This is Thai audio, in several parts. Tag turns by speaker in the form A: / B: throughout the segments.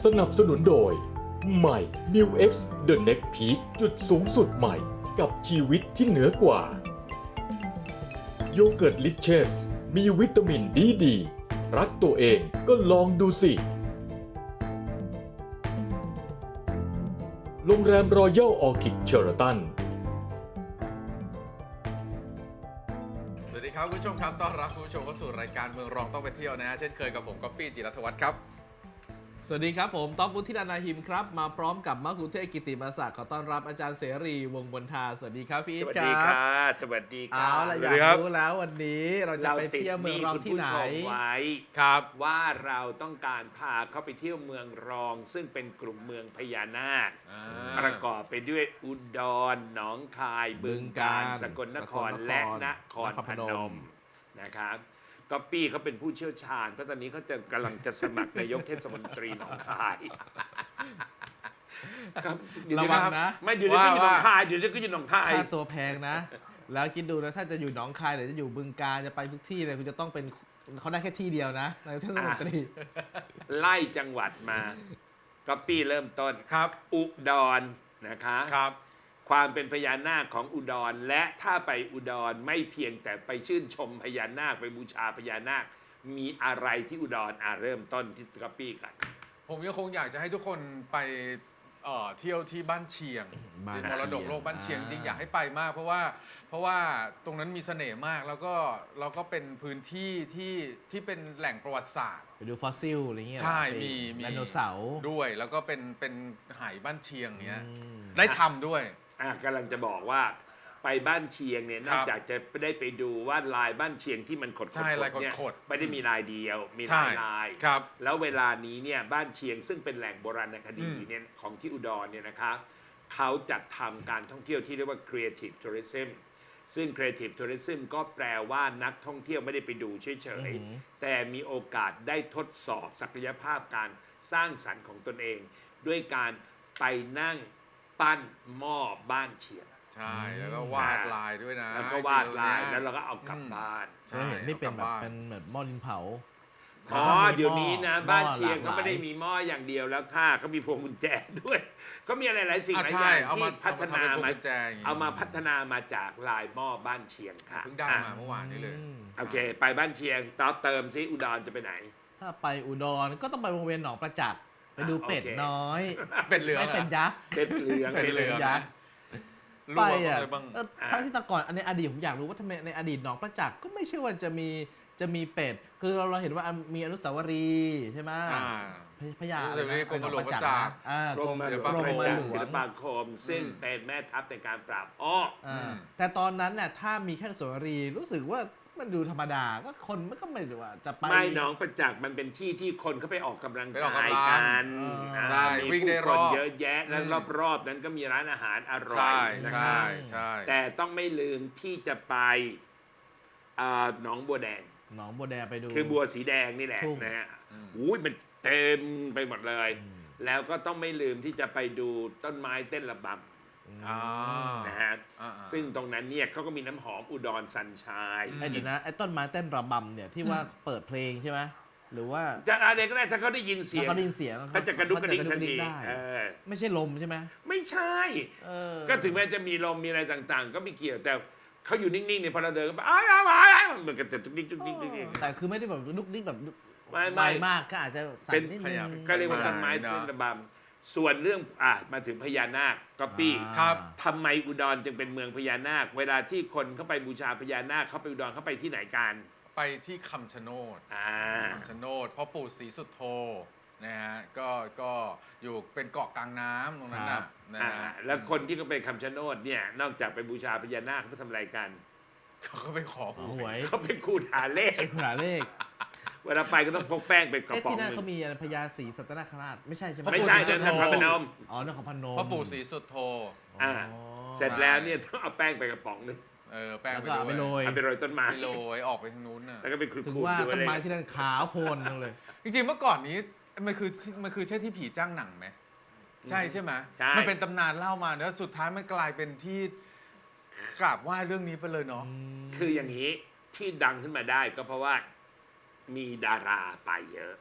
A: สนับสนุนโดยใหม่ New X The Next Peak จุดสูงสุดใหม่กับชีวิตที่เหนือกว่าโยเกิร์ตลิเชสมีวิตามินดีรักตัวเองก็ลองดูสิโรงแรมรอยัลออร์คิดเชอราตัน
B: สวัสดีครับคุณผู้ชมครับต้อนรับคุณผู้ชมเข้าสู่รายการเมืองรองต้องไปเที่ยวนะฮะเช่นเคยกับผมก๊อปปี้จิรัตวัฒน์ครับ
C: สวัสดีครับผมต๊อบวุฒินันท์นาหิมครับมาพร้อมกับมะคุเทศกิติมาศักดิ์ขอต้อนรับอาจารย์เสรีวงศ์บนทาสวัสดีครับพี่อีทครับ
D: สวัสดีค่ะสวัสดีค่ะ
C: เอาล่ะอยากรู้แล้ววันนี้เราจะไปเที่ยวเมืองรองที่ไหน
D: เราติดหนี้คุณผู้ชมไว้
B: ครับ
D: ว่าเราต้องการพาเขาไปเที่ยวเมืองรอง ซึ่งเป็นกลุ่มเมืองพญานาคประกอบไปด้วยอุดรหนองคายบึงกาฬสกลนครและนครพนมนะครับก็ปี้เขาเป็นผู้เชี่ยวชาญเพราะตอนนี้เขาจะกำลังจะสมัครนายกเทศมนตรีหนองคายครับเดี๋ย
C: ระ
D: นี้
C: วัง
D: ครับ
C: นะ
D: ไม่เดี๋ยวนี้ก็อยู่หนองคายเดี๋ยวนี้ก็อยู่หนองคาย
C: ค่าตัวแพงนะ แล้วคิดดูนะถ้าจะอยู่หนองคายหรือจะอยู่บึงกาฬจะไปทุกที่เลยคุณจะต้องเป็นเขาได้แค่ที่เดียวนะนายกเทศมนตรี
D: ไล่จังหวัดมาก็ปี้เริ่มต้น
B: ครับ
D: อุดรนะคะ
B: ครับ
D: ความเป็นพญานาคของอุดรและถ้าไปอุดรไม่เพียงแต่ไปชื่นชมพญานาคไปบูชาพญานาคมีอะไรที่อุดรเริ่มต้นที่กระปี้กัน
B: ผมยังคงอยากจะให้ทุกคนไปเที่ยวที่บ้านเชียง
C: บ้าน
B: มรดกโลกบ้านเชียง
C: อ่า
B: จริงอยากให้ไปมากเพราะว่าตรงนั้นมีเสน่ห์มากแล้วก็เป็นพื้นที่ที่เป็นแหล่งประวัติศาสตร์
C: ไปดูฟอสซิลอะไรเงี้ย
B: ใช่
C: ไป
B: มี
C: ไดโนเสาร์
B: ด้วยแล้วก็เป็นหายบ้านเชียงเนี้ย
C: อืม
B: ได้ทำด้วย
D: กำลังจะบอกว่าไปบ้านเชียงเนี่ยนอกจากจะได้ไปดูว่าลายบ้านเชียงที่มันขดๆ
B: ใช่ลาย
D: เนี่ย
B: ขดๆ
D: ไม่ได้มีลายเดียวมีห
B: ใช่
D: ลายลาย
B: ครับ
D: แล้วเวลานี้เนี่ยบ้านเชียงซึ่งเป็นแหล่งโบราณคดีเนี่ยของที่อุดรเนี่ยนะครับเขาจัดทำการท่องเที่ยวที่เรียกว่า Creative Tourism ซึ่ง Creative Tourism ก็แปลว่านักท่องเที่ยวไม่ได้ไปดูเฉยๆแต่มีโอกาสได้ทดสอบศักยภาพการสร้างสรรค์ของตนเอง ด้วยการไปนั่งปั้นหม้อบ้านเชียง
B: ใช่แล้วก็วาดลายด้วยนะ
D: แล้วก็วาดลาย
B: จริงๆ
D: แล้วเราก็เอากลับบ้าน
C: เคยเห็นนี่เป็นแบบ
B: เอากลับบ้าน
C: เป็นแบบหม้อดินเผา
D: อ๋อเดี๋ยวนี้นะ
C: หม้อ
D: บ้านเชียง
C: หลากหลาย
D: ก็ไม่ได้มีหม้ออย่างเดียวแล้วค่ะก็มีพวงกุญแจด้วย ก็มีอะไรหลายสิ่งหลายอ
B: ใช่
D: ย่าง
B: เอา
D: ที่
B: มา
D: พัฒนา
B: เอามาทำเป็นพวง
D: มา
B: กุญแจอย่างงี้
D: เอามาพัฒนามาจากลายหม้อบ้านเชียงค่ะ
B: เพิ่งได้มา
D: อ่ะ
B: เมื่อวานนี้เลย
D: โอเค ไปบ้านเชียงต่อเติมซิอุดรจะไปไหน
C: ถ้าไปอุดรก็ต้องไปวงเวียนหนองประจักษ์ไปดูเป็ด
D: โอเค
C: น้อย
B: เป็นเหลือง
C: ไม่เป็นยักษ์
D: เป็นเหลือง
B: เป็นเหลือง
C: ยักษ์
B: รู้
C: ไป
B: ว่า
C: อ่ะ
B: อะไรบ้าง
C: ทั้งที่แต่ก่อนในอดีตผมอยากรู้ว่าทำไมในอดีตหนองประจักษ์ก็ไม่ใช่ว่าจะมีเป็ด คือเราเห็นว่ามีอนุสาวรีย์ใช่ไหม
B: อ่า
C: พญา
B: เดี๋ยวนี้กรมหลวงประจักษ์
D: กรมหลวง
C: กรม
D: ประ
C: หล
D: จักษ์
C: ว
D: ศิล
C: ง
D: ปาคม ซึ่งเป็นแม่ทัพในการปราบอ้อ
C: แต่ตอนนั้นน่ะถ้ามีแค่อนุสาวรีย์รู้สึกว่ามันดูธรรมดาก็คนมันก็ไม่ได้ว่าจะไป
D: ไม่หนองประจักษ์มันเป็นที่ที่คนเขาไปออกกำลัง
B: ไปออก
D: กาย
B: กำลัง
D: กัน
C: ใช่
D: มี
B: วิ่งได้
D: ผู้
B: ร
D: ค
B: อบ
D: นเยอะแยะแล้วรอบๆนั้นก็มีร้านอาหารอร่อย
B: ใช่
D: นะค
B: ใช่
D: รับ
B: ใช่
D: แต่ต้องไม่ลืมที่จะไปหนองบัวแดง
C: หนองบัวแดงไปดู
D: คือบัวสีแดงนี่แหละ
C: ทุ่ง
D: นะฮะอุ้ยมันเต็มไปหมดเลย แล้วก็ต้องไม่ลืมที่จะไปดูต้นไม้เต้นระบ
B: อ่า
D: ำนะฮะ
B: อ่า
D: ซึ่งตรงนั้นเนี่ยเขาก็มีน้ำหอมอุดรสันชาย
C: ไอ้เดี๋ยวนะไอ้ต้นไม้เต้นระบำเนี่ยที่ว่าเปิดเพลงใช่ไหมหรือว่า
D: จะอะไรก็ได้ถ้าเขาได้ยินเสียง
C: ถ้าเขาได้ยินเสียง
D: เขาจะกระดุกกระดิกทันที
C: ได้
D: อ
C: ไม่ใช่ลมใช่ไหม
D: ไม่ใช่
C: เออ
D: ก็ถึงแม้จะมีลมมีอะไรต่างๆ ก็ไม่เกี่ยวแต่เขาอยู่นิ่งๆเนี่ยพอเราเดินก็ไปอ้าวมันก็จะทุกนิกทุกนิกทุกนิก
C: แต่คือไม่ได้แบบลุกนิกแบบ
D: ไม่
C: ไวมากก็อาจจะสั่
D: เป็น
C: นนิดนึง
D: ก็เรียกว่าต้นไม้ต้นระบำส่วนเรื่องมาถึงพญานาคก็ปี้
B: ครับ
D: ทำไมอุดรจึงเป็นเมืองพญานาค เวลาที่คนเข้าไปบูชาพญานาคเขาไปอุดรเขาไปที่ไหนกัน
B: ไปที่คำชะโนด คำชะโนดพ่อปู่ศรีสุโธนะฮะก็อยู่เป็นเกาะกลางน้ำตรงนั้นนะฮะ
D: แล้วคนที่เขาไปคำชะโนดเนี่ยนอกจากไปบูชาพญานาคเขาไปทำอะไรกัน
B: เขาก็ไปขอ
C: หวย
D: เขาไปขูดหาเลข
C: ไอ้ขนาดเลข
D: เวลาไปก็ต้องพกแป้งไปกระ
C: เอ๊ะ
D: ป๋อง
C: ที่นั่น
D: หนึ่
C: เขา
D: ง
C: มีอะไรพญาศรีสัตนคราชไม่ใช่ใช่ไหม
D: ไม่ใช่เดินทางพนม
C: อ๋อนครพนม
B: พ่อปู่ศรีสุโธ
D: อ่า เสร็จแล้วเนี่ยต้องเอาแป้งไปกระป๋องหนึง
B: แป้ง
C: แล้ว
B: ไป
C: ก็เอาไปโร
B: ด้วย
C: ย
D: เอาไปโรยต้นไม้
B: ไปโรยออกไปทางนู้นน่ะ
D: แล้วก็ไปขูด
C: ถึง
D: ๆ
C: ว่า
D: ดู
C: ต้
D: อะ
C: น
D: ไร
C: ไม้ที่นั่นขาวโพลนจังเลย
B: จริงๆเมื่อก่อนนี้มันคือใช่ที่ผีจ้างหนังไหมใช่ใช่ไหม
D: ใช่
B: มันเป็นตำนานเล่ามาแล้วสุดท้ายมันกลายเป็นที่กราบไหว้เรื่องนี้ไปเลยเนาะ
D: คืออย่างนี้ที่ดังขึ้นมาได้ก็เพราะว่ามีดาราไปเยอะ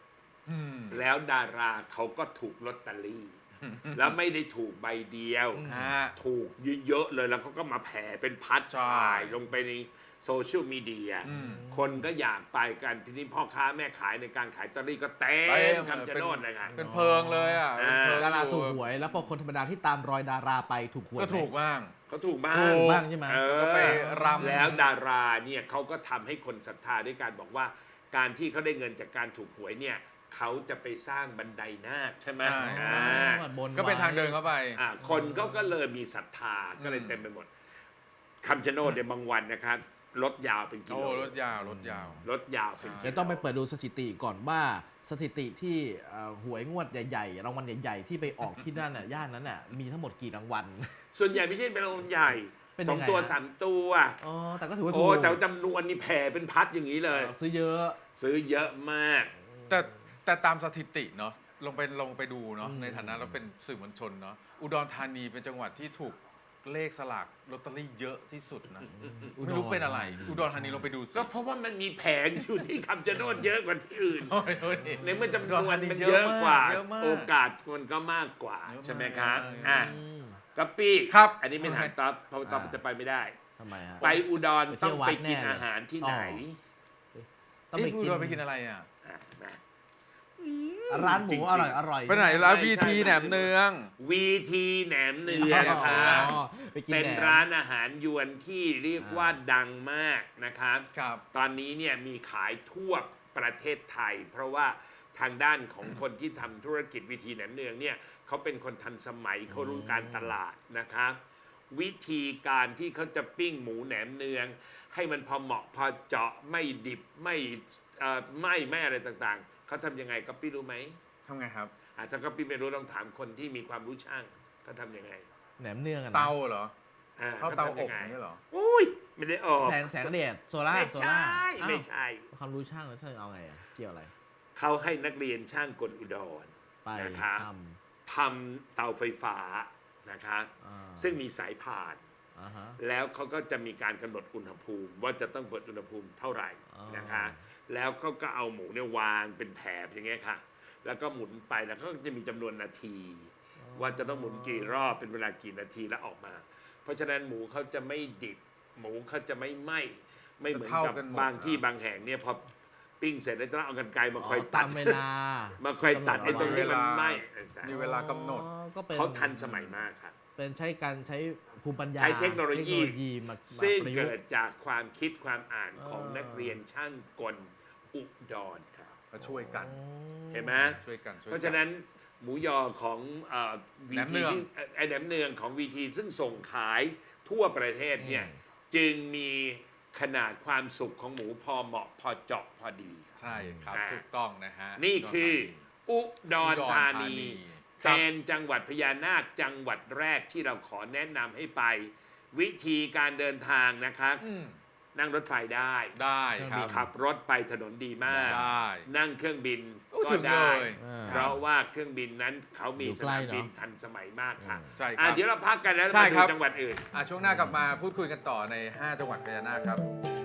D: แล้วดาราเขาก็ถูกลอตเตอรี่ แล้วไม่ได้ถูกใบเดียว
B: ฮะ
D: ถูกเยอะๆเลยแล้วเขาก็มาแผ่เป็นพัด
B: ใช่
D: ถ่ายลงไปในโซเชียลมีเดีย คนก็อยากไปกันทีนี้พ่อค้าแม่ขายในการขายลอตเตอรี่ก็เต็มคำชะโนดเลยค่ะ
B: เป็นเพลิงเลยอ่ะเป็นเพลิง
C: ดาราถูกหวย แล้วพอคนธรรมดาที่ตามรอยดาราไปถูกหวย
B: ก็ถูกบ้าง
D: เขาถูกบ้าง
B: ถูก
C: บ้างใช่ไหม
B: แล้วก็ไปรำ
D: แล้วดาราเนี่ยเขาก็ทำให้คนศรัทธาด้วยการบอกว่า การที่เขาได้เงินจากการถูกหวยเนี่ยเขาจะไปสร้างบันไดนาคใช่ไหม
B: ใช่
D: อ่า
C: บนไว้
B: ก็เป็นทางเดินเข้าไป
D: คนก็เลยมีศรัทธาก็เลยเต็มไปหมดคำชะโนดเนี่ยบางวันนะครับรถยาวเป็นกิ
B: โอ้
D: โล
B: รถยาวรถยาว
D: รถยาวเป็นกิโล
C: เดี๋ยวต้องไปเปิดดูสถิติก่อนว่าสถิติที่หวยงวดใหญ่ๆรางวัลใหญ่ๆที่ไปออกที่นั่นน่ะย่านนั้นน่ะมีทั้งหมดกี่รางวัล
D: ส่วนใหญ่ไม่ใช่เป็นรางวัลใหญ่
C: เป็น
D: ส
C: ยั
D: อง
C: งไง
D: ตัว
C: ฮะ
D: สามตัว
C: อ๋อแต่ก็ถือว่าถู
D: โอ้
C: ก
D: แต่จำนวนนี่แผ่เป็นพัดอย่างนี้เลย
C: ซื้อเยอะ
D: ซื้อเยอะมาก
B: แต่ตามสถิติเนาะลงไปดูเนาะในฐานะเราเป็นสื่อมวลชนเนาะอุดรธานีเป็นจังหวัดที่ถูกเลขสลากลอตเตอรี่เยอะที่สุดนะไม่รู้เป็นอะไร อุดรธานีลงไปดูสิ
D: ก็เพราะว่ามันมีแผงอยู่ที่คำชะโนดเยอะกว่าที่อื่น
B: โอ้ยโอ้ย
D: ในเมื่อจำนวนมัน
B: อุดรธานี
D: เยอะกว่า
B: เยอะมาก
D: โอกาสมันก็มากกว่า
B: เยอะมาก
D: ใช่ไหมครับ
B: เยอะมาก
D: อ่ะ
C: อืม
D: กัปปี้
B: ครับ
D: อันนี้ไม่ถามต๊อบเพราะต๊อบจะไปไม่ได้
C: ทำไมฮะ
D: ไปอุดร
C: ไปเที่
D: ต้อ
C: ยว
D: ง
C: วัด
D: ไปกิน
C: แน่เลย
D: อาหารที่ไหน
C: ต้อง
B: เอ๊ะ
C: ไป
B: อุ
C: กิน
B: ดรไปกินอะไรอ่ะ
D: อ่ะมา
C: ร้านหมู
D: จริงๆ
C: อร่อยอร่อย
B: ไปไหนร้าน
D: ไม่
B: พี
D: ใช่
B: ทีแหนมเนือง
D: วีทีแหนมเนื
C: อ๋
D: องครับ
C: อไปกิน
D: เป็น
C: แหม
D: ร้านอาหารยวนที่เรียกว่าดังมากนะครับ
B: ครับ
D: ตอนนี้เนี่ยมีขายทั่วประเทศไทย เพราะว่าทางด้านของคนที่ทำธุรกิจวิธีแหนมเนืองเนี่ยเขาเป็นคนทันสมัยเขารู้การตลาดนะครับ วิธีการที่เขาจะปิ้งหมูแหนมเนือง ให้มันพอเหมาะพอเจาะไม่ดิบไม่ไม่อะไรต่างๆเขาทำยังไงก็ปี้รู้ไหม
B: ทำไงครับ
D: ถ้าก็ปี้ไม่รู้ต้องถามคนที่มีความรู้ช่างเขาทำยังไง
C: แหนมเนืองอะนะ
B: เตาเหรอ
D: อ่
B: เข้าเตา
D: ข
B: อ
D: ทำยั
B: บ
D: งไง
B: นี่เหรอ
D: อุ้ยไม่ได้ออก
C: แสงแดดโซล่า
D: ไม่
C: โซ
D: ใช
C: ล่า
D: ่
C: อ้าว
D: ไม่ใช่
C: ความรู้ช่างแล้วช่างเอาไงอะเกี่ยวอะไร
D: เขาให้นักเรียนช่างกลอุดร
C: ไป
D: นะครับ
C: ท
D: ทำเตาไฟฟ้านะครับ
C: ำอ่า
D: ซึ่งมีสายพาน
C: อ่าฮะ
D: แล้วเขาก็จะมีการกำหนดอุณหภูมิ ว่าจะต้องเปิดอุณหภูมิเท่าไหร่
C: อ๋อ
D: นะคะแล้วเขาก็เอาหมูเนี่ยวางเป็นแถบอย่างเงี้ยค่ะ แล้วก็หมุนไปแล้วเขาก็จะมีจำนวนนาที ว่าจะต้องหมุนกี่รอบเป็นเวลากี่นาทีแล้วออกมา เพราะฉะนั้นหมูเขาจะไม่ดิบ หมูเขาจะไม่ไหม้ไม่เหมือน
B: จะเท่า
D: กับ
B: กันหมด
D: บางที่
B: นะ
D: บางแห่งเนี่ยพอปิ้งเสร็จแล้วต้องเอากรรไกรมาคอย
C: อ๋อ
D: ตั
C: ตา
D: ด
C: มเวลา
D: มาคอยตัดไอ้ตรงที่มันไหม้
B: มีเวลากำหนด
C: อ๋อก็เป็น
D: เขาทันสมัยมากครับ
C: เป็นใช้การใช้ภูมิปัญญา
D: ใช้เทคโนโลยี
C: มา
D: ซึ่ง
C: ประยุ
D: เกิ
C: ก
D: ด
C: ต์
D: จากความคิดความอ่านของ
C: เออ
D: นักเรียนช่างกลอุดรครับ
B: มาช่วยกัน
D: เห็นไหม
B: ช่วยกันช่วยกัน
D: เพราะฉะนั้นหมูยอของวี
B: แหนมเนื
D: ที
B: อง
D: ที่ไอแหนมเนืองของวีทีซึ่งส่งขายทั่วประเทศเนี่ยจึงมีขนาดความสุกของหมูพอเหมาะพอเจาะพอดี
B: ใช่ครับ
D: อ่า
B: ถูกต้องนะฮะ
D: นี่คืออุดรธานี
B: ครับ
D: เป็นจังหวัดพญานาคจังหวัดแรกที่เราขอแนะนำให้ไป วิธีการเดินทางนะครับ
B: อืม
D: นั่งรถไฟได้
B: ได้ครับ
D: ขับรถไปถนนดีมาก
B: ได้
D: นั่งเครื่องบิน
B: โอ้
D: ก็
B: ถึงเล
D: ได้
B: ย
D: เพราะว่าเครื่องบินนั้นเขามี
C: อยู่
D: ส
C: ใกล้
D: นามบิน
C: เนอะ
D: ทันสมัยมากค่ะ
B: ใช่ครับ
D: เดี๋ยวเราพักกันแล้ว
B: ใช่
D: มาดู
B: ครับ
D: จังหวัดอื่น
B: ช่วงหน้ากลับมาพูดคุยกันต่อใน 5 จังหวัดพญานาคครับ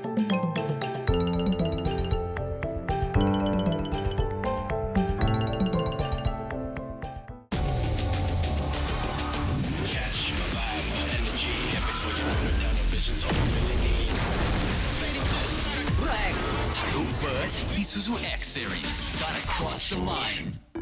E: แรงทะลุเบิร์ส Isuzu X Series Gotta cross the line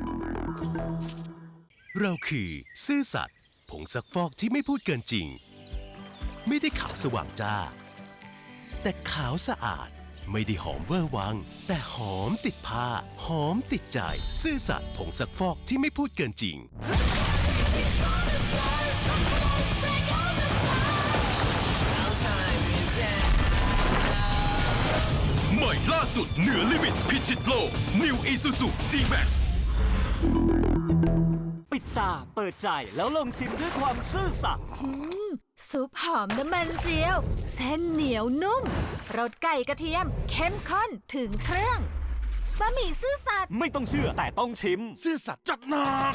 F: เราคือซื่อสัตย์ผงซักฟอกที่ไม่พูดเกินจริง ไม่ได้ขาวสว่างจ้า แต่ขาวสะอาดไม่ได้หอมเวอร์วัง แต่หอมติดผ้า หอมติดใจ ซื่อสัตย์ผงซักฟอกที่ไม่พูดเกินจริง ใหม่ล่าสุดเหนือลิมิตพิชิตโลก New Isuzu G-Max
G: ปิดตาเปิดใจแล้วลองชิมด้วยความซื่อสัตย์
H: ซุปหอมน้ำมันเจียว เส้นเหนียวนุ่มรสไก่กระเทียม เข้มข้นถึงเครื่องบะหมี่ซื่อสัตย์
G: ไม่ต้องเชื่อแต่ต้องชิม
F: ซื่อสัตย์จัดหนัก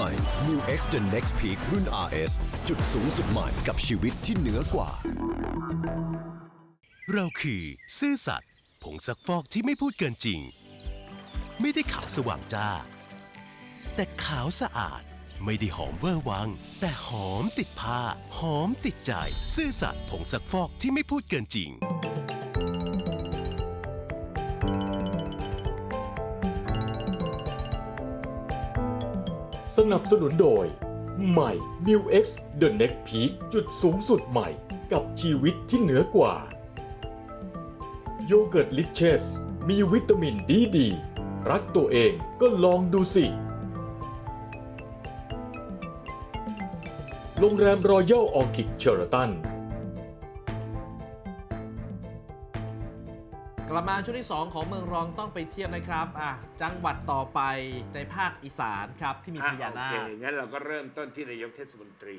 I: ม่ New X The Next Peak รุ่น RS จุดสูงสุดใหม่กับชีวิตที่เหนือกว่า
F: เราคือซื่อสัตย์ผงซักฟอกที่ไม่พูดเกินจริง ไม่ได้ขาวสว่างจ้า แต่ขาวสะอาดไม่ได้หอมเวอร์วัง แต่หอมติดผ้า หอมติดใจ ซื่อสัตย์ผงซักฟอกที่ไม่พูดเกินจริง
A: สนับสนุนโดย ใหม่ New X The Next Peak จุดสูงสุดใหม่กับชีวิตที่เหนือกว่า โยเกิร์ตลิเชสมีวิตามินดี รักตัวเองก็ลองดูสิ โรงแรมรอยัลออคิดเชอร์ตัน
C: กลับมาช่วงที่ 2 ของเมืองรองต้องไปเที่ยวนะครับจังหวัดต่อไปในภาคอีสานครับที่มีพญานา
D: โอ
C: ค
D: เคงั้นเราก็เริ่มต้นที่นายกเทศมนตรี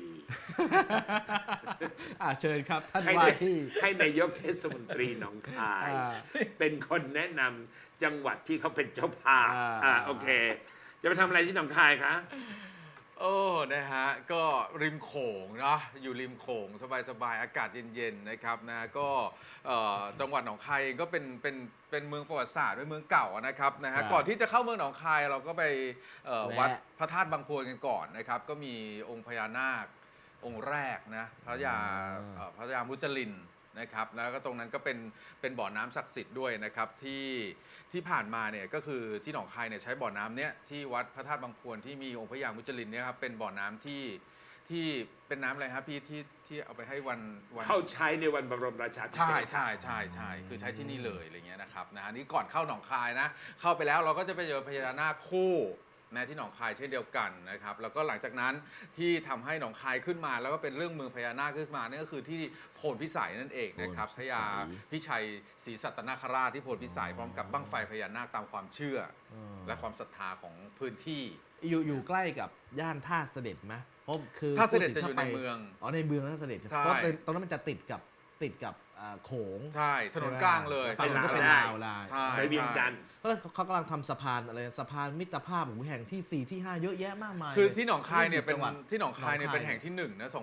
C: เชิญครับท่าน
D: ให้
C: ว่าที่
D: ให้นายกเทศมนตรีหนองคาย เป็นคนแนะนำจังหวัดที่เขาเป็นเจ้าภาพโอเค จะไปทำอะไรที่หนองคายคะ
B: โอ้นะฮะก็ริมโขงเนาะอยู่ริมโขงสบายๆอากาศเย็นๆนะครับนะก็จังหวัดหนองคายเองก็เป็นเมืองประวัติศาสตร์เป็นเมืองเก่านะครับนะฮะก่อนที่จะเข้าเมืองหนองคายเราก็ไปวัดพระธาตุบางพวนกันก่อนนะครับก็มีองค์พญานาคองค์แรกนะพระยามุจลินนะครับแล้วก็ตรงนั้นก็เป็นบ่อน้ำศักดิ์สิทธิ์ด้วยนะครับที่ผ่านมาเนี่ยก็คือที่หนองคายเนี่ยใช้บ่อน้ำเนี้ยที่วัดพระธาตุบางพวนที่มีองค์พระยามุจลินเนี่ยครับเป็นบ่อน้ำที่เป็นน้ำอะไรครับพี่ที่เอาไปให้วัน
D: เข้าใช้ในวันบรมราชาภิเษก
B: ใช่คือใช้ที่นี่เลยอะไรเงี้ยนะครับนะฮะนี่ก่อนเข้าหนองคายนะเข้าไปแล้วเราก็จะไปเจอพญานาคคู่นะที่หนองคายเช่นเดียวกันนะครับแล้วก็หลังจากนั้นที่ทำให้หนองคายขึ้นมาแล้วก็เป็นเรื่องเมืองพญานาคขึ้นมานั่นก็คือที่โพนพิสัยนั่นเองนะครับพญาพิชัยศรีสัตนคราชที่โพนพิสัยพร้อมกับบั้งไฟพญานาคตามความเชื่อและความศรัทธาของพื้นที่
C: อยู่ใกล้กับย่านท่าเสด็จไหมเพราะคือ
B: ท่าเสด็จจะอยู่ในเมือง
C: ในเมืองท่าเสด็จเพราะตรงนั้นมันจะติดกับโขง
B: ใช่ถนนกลางเลย
C: ฝั่งนั้นก็เป็นลาว
B: ใช่
D: ไปเวียงจันทร์
C: ก็เขากำลังทำสะพานอะไรสะพานมิตรภาพแห่งที่ 4 ที่ 5 เยอะแยะมากมาย
B: คือที่หนองคายเนี่ยเป็นที่หนองคายเนี่ยเป็นแห่งที่1นะ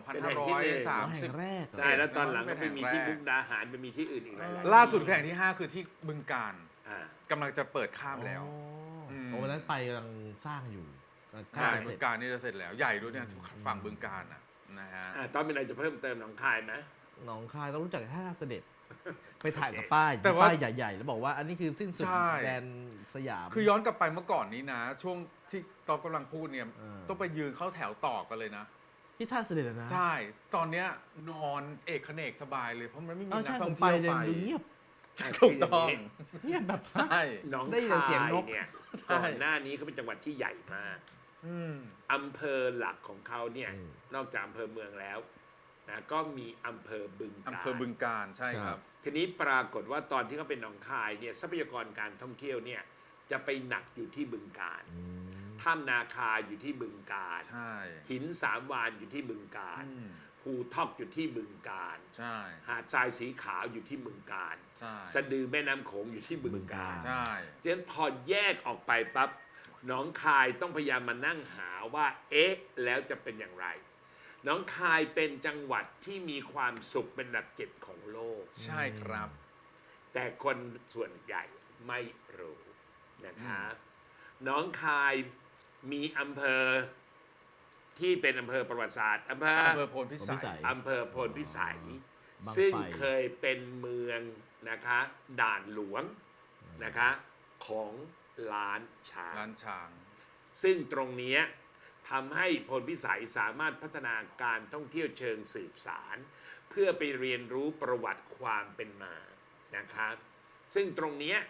B: 2530
C: แรก
D: ใช่แล้วตอนหลังก็ไปมีที่มุกดาหารไปมีที่อื่นอีกหลาย
B: ล่าสุดแห่งที่5คือที่บึงกาฬกำลังจะเปิดข้ามแล้ว
C: วันนั้นไปกำลังสร้างอยู่
B: ใช่บึงกาฬนี่จะเสร็จแล้วใหญ่ด้วยเนี่ยฝั่งบึงกาฬนะฮะ
D: ตอนเป็นอะไรจะเพิ่มเติมหนองคายไหม
C: หนองคายต้องรู้จักท่าเสด็จไปถ่ายกับป้ายใหญ่ๆแล้วบอกว่าอันนี้คือสิ้นสุดแดนสยาม
B: คือย้อนกลับไปเมื่อก่อนนี้นะช่วงที่ตอนกำลังพูดเนี่ยต้องไปยืนเข้าแถวต่อกันเลยนะ
C: ที่ท่าเสด็จนะ
B: ใช่ตอนเนี้ยนอนเอกเขนกสบายเลยเพราะมันไม่มีนักท่อง
C: เที่
B: ยว
C: ไปเงียบ
B: ถูกต้อง
C: เงียบแบบ
B: ใช่
D: หนองคายเนี่ยก่อนหน้านี้เขาเป็นจังหวัดที่ใหญ่มากอำเภอหลักของเขาเนี่ยนอกจากอำเภอเมืองแล้วนะก็มีอำเภอบึงกาฬ
B: ใช่ครับ
D: ทีนี้ปรากฏว่าตอนที่เขาเป็นหนองคายเนี่ยทรัพยากรการท่องเที่ยวเนี่ยจะไปหนักอยู่ที่บึงกาฬถ้ำนาคาอยู่ที่บึงกาฬหินสามวานอยู่ที่บึงกาฬภูทอกอยู่ที่บึงกาฬหาดทรายสีขาวอยู่ที่บึงกาฬสะดือแม่น้ำโขงอยู่ที่บึงกาฬฉะนั้นพอแยกออกไปปั๊บหนองคายต้องพยายามมานั่งหาว่าแล้วจะเป็นอย่างไรหนองคายเป็นจังหวัดที่มีความสุขเป็นอันดับ7ของโลก
B: ใช่ครับ
D: แต่คนส่วนใหญ่ไม่รู้นะคะหนองคายมีอำเภอที่เป็นอำเภอประวัติศาสตร์อำเภอ
B: โพนพิสัย
D: อำเภอโพนพิสัยซึ่งเคยเป็นเมืองนะคะด่านหลวงนะคะของล้านช้างซึ่งตรงนี้ทำให้พลพิสัยสามารถพัฒนาการท่องเที่ยวเชิงสืบสารเพื่อไปเรียนรู้ประวัติความเป็นมานะคะซึ่งตรงนี้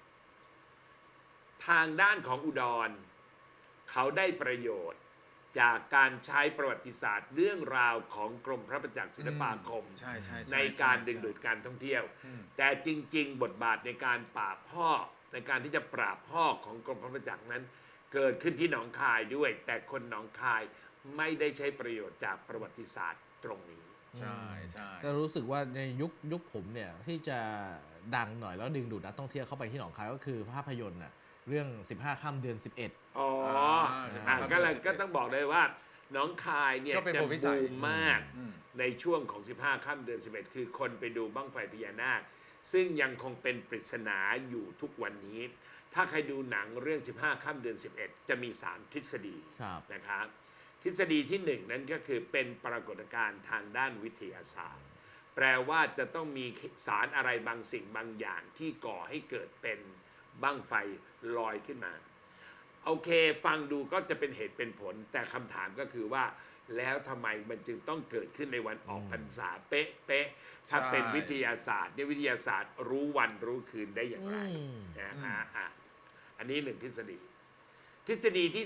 D: ทางด้านของอุดรเขาได้ประโยชน์จากการใช้ประวัติศาสตร์เรื่องราวของกรมพระประจักษ์ศิลปาคมในการดึงดูดการท่องเที่ยวแต่จริงๆบทบาทในการปราบพ่อในการที่จะปราบพ่อของกรมพระประจักษ์นั้นเกิดขึ้นที่หนองคายด้วยแต่คนหนองคายไม่ได้ใช้ประโยชน์จากประวัติศาสตร์ตรงนี้
B: ใช่
C: แต่รู้สึกว่าในยุคผมเนี่ยที่จะดังหน่อยแล้วดึงดูดนักท่องเที่ยวเข้าไปที่หนองคายก็คือภาพยนตร์น่ะเรื่อง 15 ค่ำเดือน 11
D: อ๋อ
B: อ่า
D: ก็เลยก็ต้องบอกเลยว่าน้องคายเนี่ย
B: ก็เป็น
D: จะ
B: โพธิสั
D: บู
B: ย
D: มมาก
B: อืม
D: ในช่วงของ 15 ค่ำเดือน 11 คือคนไปดูบั้งไฟพญานาค ซึ่งยังคงเป็นปริศนาอยู่ทุกวันนี้ ถ้าใครดูหนังเรื่อง 15 ค่ำเดือน 11 จะมี 3 ทฤษฎี
C: ครับ
D: นะครับทฤษฎีที่ 1 นั้นก็คือเป็นปรากฏการณ์ทางด้านวิทยาศาสตร์ แปลว่าจะต้องมีสารอะไรบางสิ่งบางอย่างที่ก่อให้เกิดเป็นบั้งไฟลอยขึ้นมา โอเคฟังดูก็จะเป็นเหตุเป็นผล แต่คำถามก็คือว่า แล้วทำไมมันจึงต้องเกิดขึ้นในวันออกพรรษาเป๊ะๆถ้าเป็นวิทยาศาสตร์เนี่ยวิทยาศาสตร์รู้วันรู้คืนได้อย่างไรอันนี้1 ทฤษฎี ทฤษฎีที่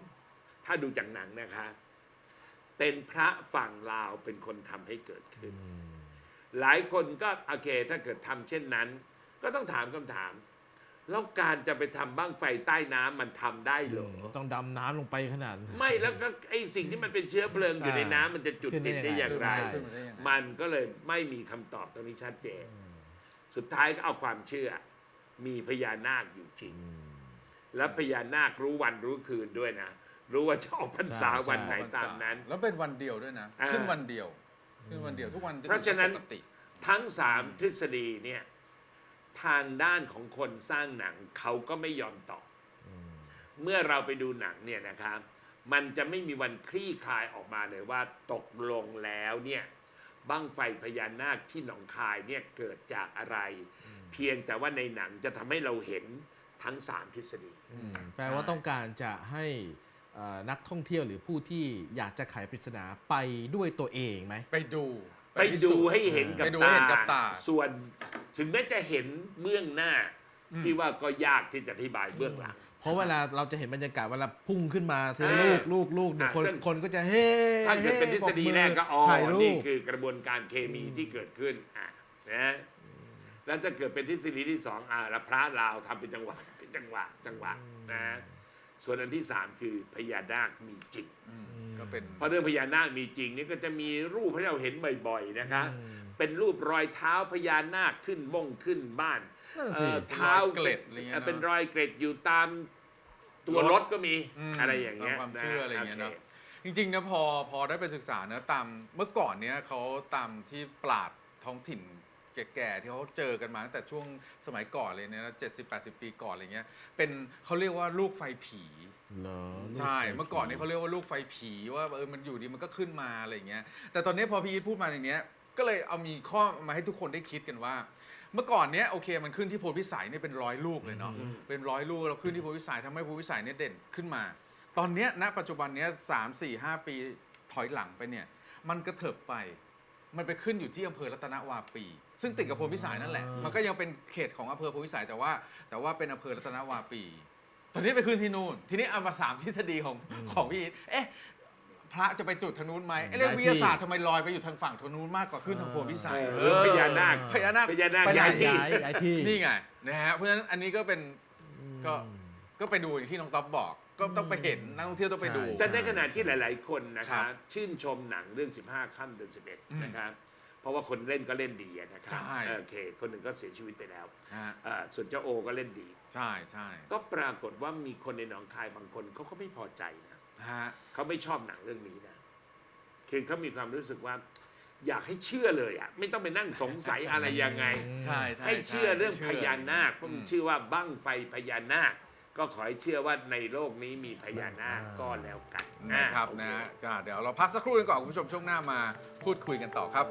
D: 2 ถ้าดูจากหนังนะคะ เป็นพระฝั่งลาวเป็นคนทำให้เกิดขึ้น หลายคนก็โอเคถ้าเกิดทำเช่นนั้น ก็ต้องถามคำถาม แล้วการจะไปทำบั้งไฟใต้น้ำมันทำได้เหรอ
C: ต้องดำน้ำลงไปขนาด
D: ไม่แล้วก็ไอสิ่งที่มันเป็นเชื้อเพลิงอยู่ในน้ำมันจะจุดติดได้อย่างไร
B: ขึ้นมาได้ยังไง
D: มันก็เลยไม่มีคำตอบตรงนี้ชัดเจน สุดท้ายก็เอาความเชื่อ มีพญานาคอยู่จริง และพญานาครู้วันรู้คืนด้วยนะ รู้ว่าจะออกพรรษาวันไหนตามนั้น
B: แล้วเป็นวันเดียวด้วยนะ
D: อ่า
B: ขึ้นวันเดียวขึ้นวันเดียวทุกวัน
D: เพราะฉะนั้น
B: ปกติ
D: ทั้ง 3 ทฤษฎีเนี่ยทางด้านของคนสร้างหนังเขาก็ไม่ยอมตอบ เมื่อเราไปดูหนังเนี่ยนะครับมันจะไม่มีวันคลี่คลายออกมาเลยว่าตกลงแล้วเนี่ยบั้งไฟพญานาคที่หนองคายเนี่ยเกิดจากอะไร เพียงแต่ว่าในหนังจะทำให้เราเห็นทั้ง 3 ทฤษฎี
C: แปลว่าต้องการจะให้นักท่องเที่ยวหรือผู้ที่อยากจะไขปริศนาไปด้วยตัวเองไหม
B: ไปดู
D: ไปดูให้เห็นกับ
B: ไปดูให้เห็นกับตา
D: ส่วนถึงแม้จะเห็นเบื้องหน้าที่ว่าก็ยากที่จะอธิบายเบื้องหลัง
C: เพราะเวลาเราจะเห็นบรรยากาศเวลาพุ่งขึ้นมาทีละ
D: อ่า
C: ลูกเนี่ย
D: อ่าซึ่ง
C: คนก็จะเฮ้
D: ถ้าเกิดเป็นทฤษฎีแรกก็อ๋อ
C: ถ่ายรู
D: นี่
C: ป
D: คือกระบวนการเคมีที่เกิดขึ้นนะแล้วจะเกิดเป็นทฤษฎีที่2แล้วพระลาวทำเป็นจังหวะนะส่วนอันที่ 3 คือพญานาคมีจริง
B: ก็เป็น
D: เพราะเรื่องพญานาคมีจริงนี่ก็จะมีรูปให้เราเห็นบ่อยๆนะคะเป็นรูปรอยเท้าพญานาคขึ้นขึ้นบ้าน
C: นั่นสิ
D: เท้า
B: เป็นรอยเกล็ดอะไรเงี้ยเนอะ
D: เป็นรอยเกล็ดอยู่ตามตัวรถก็มีอะไรอย่างเงี้ย
B: ตามความเชื่ออะไรอย่างเงี้ย
D: โ
B: เนาะจริงๆนะพอได้ไปศึกษาเนะตามเมื่อก่อนเนี้ยเขาตามที่ปราชญ์ท้องถิ่นแก่ๆที่เขาเจอกันมาตั้งแต่ช่วงสมัยก่อนเลยเนี่ยนะ70-80 ปีก่อนอะไรเงี้ยเป็นเขาเรียกว่าลูกไฟผี
C: เหรอ
B: ใช่เมื่อก่อนนี้เขาเรียกว่าลูกไฟผีว่ามันอยู่ดีมันก็ขึ้นมาอะไรอย่างเงี้ยแต่ตอนนี้พอพี่อีทพูดมาอย่างเนี้ยก็เลยเอามีข้อมาให้ทุกคนได้คิดกันว่า เมื่อก่อนเนี้ยโอเคมันขึ้นที่โพธิพิสัยเนี่ยเป็น100 ลูกเลยเนาะเป็น100 ลูกเราขึ้นที่โพธิพิสัยทำให้โพธิพิสัยเนี่ยเด่นขึ้นมา ตอนเนี้ยณปัจจุบันเนี้ย3-4-5 ปีถอยหลังไปเนี่ยมันกระเถิบไปมันไปขึ้นอยู่ที่อำเภอรัตนวาปี ซึ่งติดกับโพธิพิสัยนั่นแหละมันก็ยังเป็นเขตของอำเภอโพธิพิสัยแต่ว่าเป็นอำเภอรัตนวาปี ตอนนี้ไปขึ้นที่นู่นทีนี้เอามา3 ทฤษฎีของพี่อีทพระจะไปจุดทางนู้นไหมเรื่องวิทยาศาสตร์ทำไมลอยไปอยู่ทางฝั่งทางนู้นมากกว่าขึ้นทางโพธิพิสัย
D: พญานาค
B: พญานาค
C: ไป
D: ย้ายที่
C: ย้ายที่
B: นี่ไงนะฮะเพราะฉะนั้นอันนี้ก็เป็นก็ไปดูอย่างที่น้องต๊อบบอกก็ต้องไปเห็นนักท่องเที่ยวต้องไปดู
D: แต่ในขณะที่หลาย ๆ คนนะ
B: ครั
D: คะ
B: บ
D: ชื่นชมหนังเรื่อง 15 ค่ำเดือน 11 นะครับเพราะว่าคนเล่นก็เล่นดีนะครั
B: ใช่
D: โอเคคนหนึ่งก็เสียชีวิตไปแล้ว
B: ฮะ
D: ส่วนเจ้าโอก็เล่นดี
B: ใช่ใช่
D: ก็ปรากฏว่ามีคนในหนองคายบางคนเขาก็ไม่พอใจนะ
B: ฮะ
D: เขาไม่ชอบหนังเรื่องนี้นะคือเขามีความรู้สึกว่า อยากให้เชื่อเลยอ่ะไม่ต้องไปนั่งสงสัยอะไรยังไง
B: ใช่ใช่
D: ให้เชื่อเรื่องพญานาคเพ
B: อื
D: ราะ
B: ม
D: มันชื่อว่าบั้งไฟพญานาค ก็ขอให้เชื่อว่าในโลกนี้มีพญานาคก็แล้วกัน
B: นะครับ
D: โอเ
B: นะก็เดี๋ยวเราพักสักครู่นึงก่อนคุณผู้ชมช่วงหน้ามาพูดคุยกันต่อครับ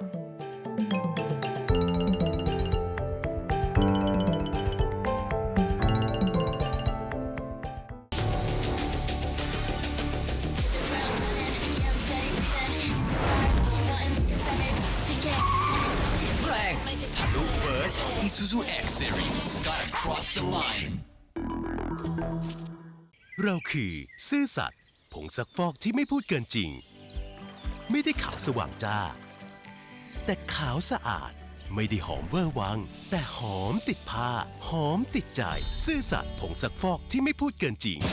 E: แรงทะลุเบิร์ส Isuzu X Series gotta cross the line
F: เราคือซื่อสัตย์ผงซักฟอกที่ไม่พูดเกินจริง ไม่ได้ขาวสว่างจ้า แต่ขาวสะอาดไม่ได้หอมเวอร์วัง แต่หอมติดผ้า หอมติดใจ ซื่อสัตย์ผงซักฟอกที่ไม่พูดเกินจริง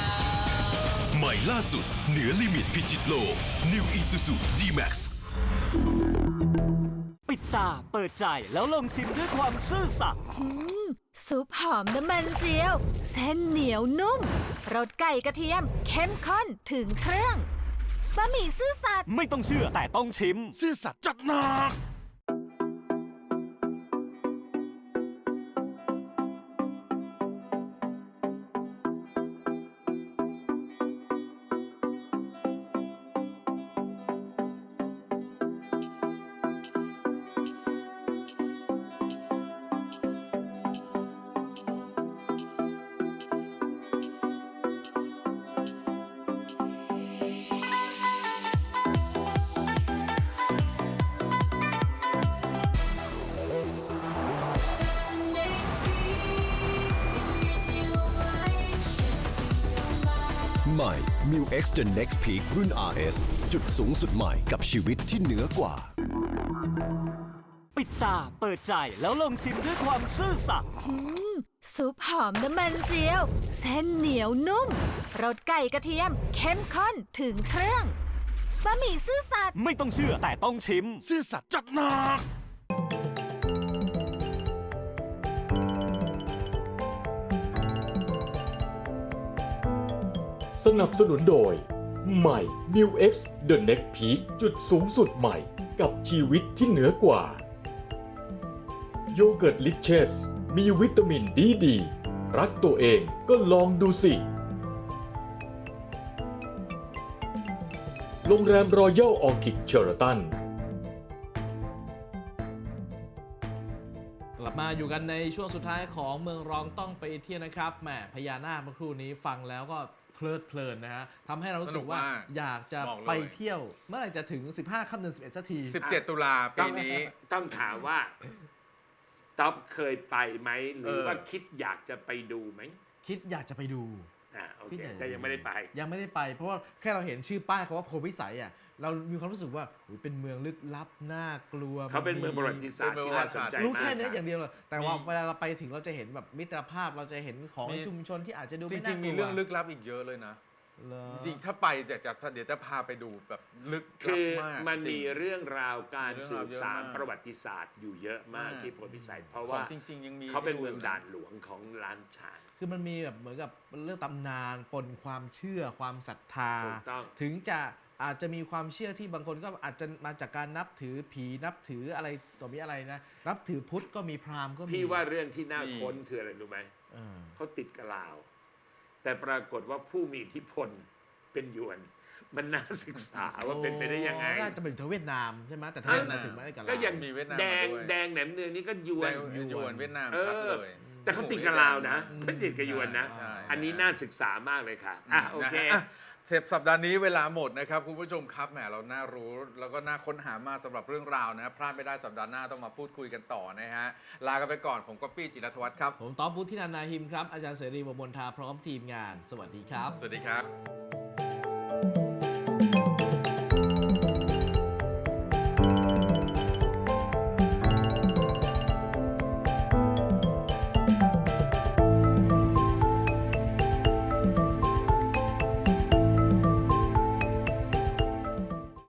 F: ใหม่ล่าสุดเหนือลิมิตพิชิตโลก New Isuzu D-Max
G: ปิดตาเปิดใจแล้วลองชิมด้วยความซื่อสัตย์
H: ซุปหอมน้ำมันเจียว เส้นเหนียวนุ่มรสไก่กระเทียม เข้มข้นถึงเครื่องบะหมี่ซื่อสัตย์
G: ไม่ต้องเชื่อแต่ต้องชิม
E: ซื่อสัตย์จัดหนัก
I: ใหม่ m i X The Next Peak รุ่น RS จุดสูงสุดใหม่กับชีวิตที่เหนือกว่า
G: ปิดตาเปิดใจแล้วลองชิมด้วยความซื่อสัตย์
H: ซุปหอมน้ำมันเจียว เส้นเหนียวนุ่มรสไก่กระเทียม เข้มข้นถึงเครื่องบะหมี่ซื่อสัตย์
G: ไม่ต้องเชื่อแต่ต้องชิม
E: ซื่อสัตย์จัดหนัก
A: สนับสนุนโดย ใหม่ New X The Next Peak จุดสูงสุดใหม่กับชีวิตที่เหนือกว่า โยเกิร์ตลิเชสมีวิตามินดี รักตัวเองก็ลองดูสิ โรงแรมรอยัลออคิดเชอร์ตัน
C: กลับมาอยู่กันในช่วงสุดท้ายของเมืองรองต้องไปเที่ยวนะครับแหมพญานาคเมื่อครู่นี้ฟังแล้วก็เพลิดเพลินนะฮะทำให้เรารู้สึกว่า
B: สนุกมาก
C: อยากจะ
B: บอกเลย
C: ไปเที่ยว เมื่อไหร่จะถึง 15 ค่ำเดือน11 สักที
B: 17 ตุลาปีนี้
D: ต้องถามว่าต๊อบเคยไปไหมหรือว่าคิดอยากจะไปดูไหม
C: คิดอยากจะไปดู
D: โอ
C: คิด
D: เค
C: อยากจะ
D: แต่ยังไม่ได้ไป
C: ยังไม่ได้ไป เพราะว่าแค่เราเห็นชื่อป้ายเขาว่าโพธิวิสัยอ่ะเรามีความรู้สึกว่าอุ๊ยเป็นเมืองลึกลับน่ากลัว
D: เขาเป็นเมืองประวัติศาสตร์ที่น่าสนใจ
C: รู้
D: มาก
C: แค่นี้
D: รับ
C: อย่างเดียวเลยแต่ว่า
B: มี
C: เวลาเราไปถึงเราจะเห็นแบบมิตรภาพเราจะเห็นของ
B: มี
C: ชุมชนที่อาจจะดู
B: จ
C: ไม่
B: ริ
C: น่าง ก
B: ๆ
C: ลัว
B: มีเรื่องลึกลับอีกเยอะเลยนะ
C: เหรอ
B: จริงๆถ้าไปเดี๋ยวจะพาไปดูแบบลึกลั
D: คื
B: บ
D: อ
B: มาก
D: มัน
B: จริ
D: มี
B: ง
D: เรื่องราวการ
B: มีเรื่อง
D: สื
B: ราว
D: บ
B: เยอะ
D: สาน
B: มาก
D: ประวัติศาสตร์อยู่เยอะมาก
B: มาก
D: ที่โพธิพิสัย เพราะ
B: ขอ
D: ว่าง
B: จริง ๆ ยังมี
D: เขาเป็น
B: ให้ดู
D: เมือง
B: อยู่
D: ด่านหลวงของล้านฉาน
C: คือมันมีแบบเหมือนกับเรื่องตำนานปนความเชื่อความศรัทธา
D: ถูกต้อง
C: ถึงจะอาจจะมีความเชื่อที่บางคนก็อาจจะมาจากการนับถือผีนับถืออะไรต่อมีอะไรนะ นับถือพุทธก็มีพราหมณ์ก็มี
D: พี่ว่าเรื่องที่น่าค้นคืออะไรรู้ไหม
C: เออ
D: เขาติดกับลาว แต่ปรากฏว่าผู้มีอิทธิพลเป็นหยวน มันน่าศึกษาว่าเป็นไปได้ยังไง
C: น่าจะเป็นถึงเวียดนามใช่ไหมแต่ทำไมมาถึงไม่ได้กับเรา
D: ก็อย่าง
B: มีเวียดนาม
D: แดง
B: มาด้วย
D: แดงแหนมเนืองนี่ก็หยวน
B: ยวนเวียดนาม
D: เอ
B: ชัด
D: อ
B: เลย
D: แต่เขาติดกับลาวนะไม่ติดกับหยวนนะ
B: ใช่
D: อันนี้น่าศึกษามากเลยค่ะโอเค
B: นะฮะเทปสัปดาห์นี้เวลาหมดนะครับคุณผู้ชมครับแหมเราน่ารู้แล้วก็น่าค้นหามาสำหรับเรื่องราวนะพลาดไม่ได้สัปดาห์หน้าต้องมาพูดคุยกันต่อนะฮะลากันไปก่อนผมก็ปี้จิรธวัฒน์ครับ
C: ผมต๊อบพุทธินันท์นาหิมครับอาจารย์เสรีวงศ์มนทาพร้อมทีมงาน สวัสดีครับ
B: สวัสดีครับ